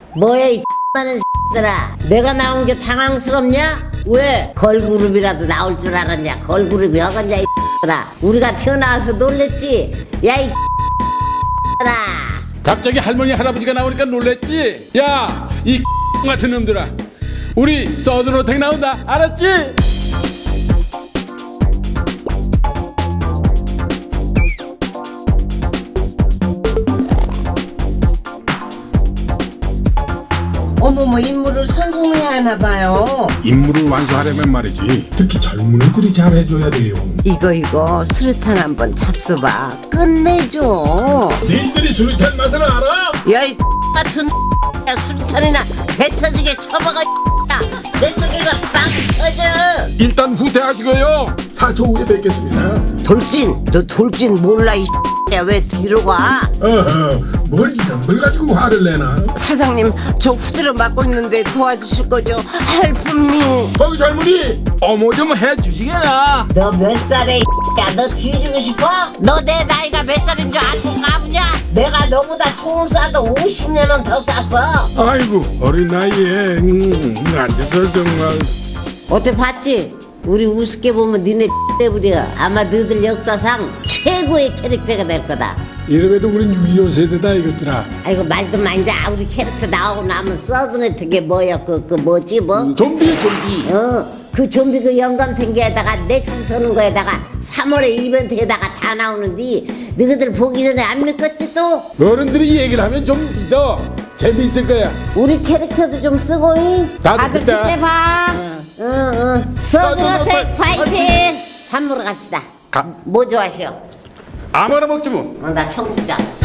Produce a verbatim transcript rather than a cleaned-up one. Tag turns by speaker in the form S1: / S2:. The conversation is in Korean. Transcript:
S1: 뭐야 이 X많은 X들아. 내가 나온 게 당황스럽냐? 왜? 걸그룹이라도 나올 줄 알았냐? 걸그룹이 어건냐 이 X들아. 우리가 튀어나와서 놀랬지? 야 이 X들아.
S2: 갑자기 할머니 할아버지가 나오니까 놀랬지? 야 이 같은 놈들아, 우리 서든어택 나온다, 알았지?
S3: 어머머, 임무를 성공해야 하나봐요.
S2: 임무를 완수하려면 말이지, 특히 젊은 애들이 잘해줘야 돼요.
S3: 이거 이거 수류탄 한번 잡숴봐. 끝내줘.
S2: 니들이 수류탄 맛을 알아?
S3: 야 이 같은 야, 수류탄이나 배 터지게 쳐박아. 내 속에가 빵 터져.
S2: 일단 후퇴하시고요. 사 초 후에 뵙겠습니다.
S3: 돌진, 너 돌진 몰라 이 야, 왜 뒤로 가?
S2: 어허, 뭘 이런 걸 가지고 화를 내나?
S3: 사장님, 저 후드를 맡고 있는데 도와주실 거죠? 헬프미.
S2: 거기 젊은이, 어머 좀 해주시게나.
S1: 너 몇 살에 야, 너 뒤지고 싶어? 너 내 나이가 몇 살인 줄 알고 까부냐? 내가 너보다 총을 쏴도 오십 년은 더 쐈어.
S2: 아이고 어린 나이에 음, 앉아서 정말.
S1: 어때 봤지? 우리 우습게 보면 니네 때부려 아마 너희들 역사상 최고의 캐릭터가 될 거다.
S2: 이래봬도 우린 육이오 세대다 이것들아.
S1: 아이고 말도 많자. 우리 캐릭터 나오고 나면 서든어택이 뭐야 그, 그 뭐지 뭐?
S2: 좀비 좀비.
S1: 어 그 좀비 그 영감 탱기에다가 넥슨 터는 거에다가 삼월에 이벤트에다가 다 나오는데 너희들 보기 전에 안 믿겠지 또?
S2: 어른들이 얘기를 하면 좀 믿어. 재미있을 거야.
S1: 우리 캐릭터도 좀 쓰고 이 다들
S2: 그때.
S1: 그때 봐. 응응 서든어택 파이팅. 밥 먹으러 갑시다.
S2: 가.
S1: 뭐 좋아하시오?
S2: 아무거나 먹지 뭐.
S1: 어, 나 청국장.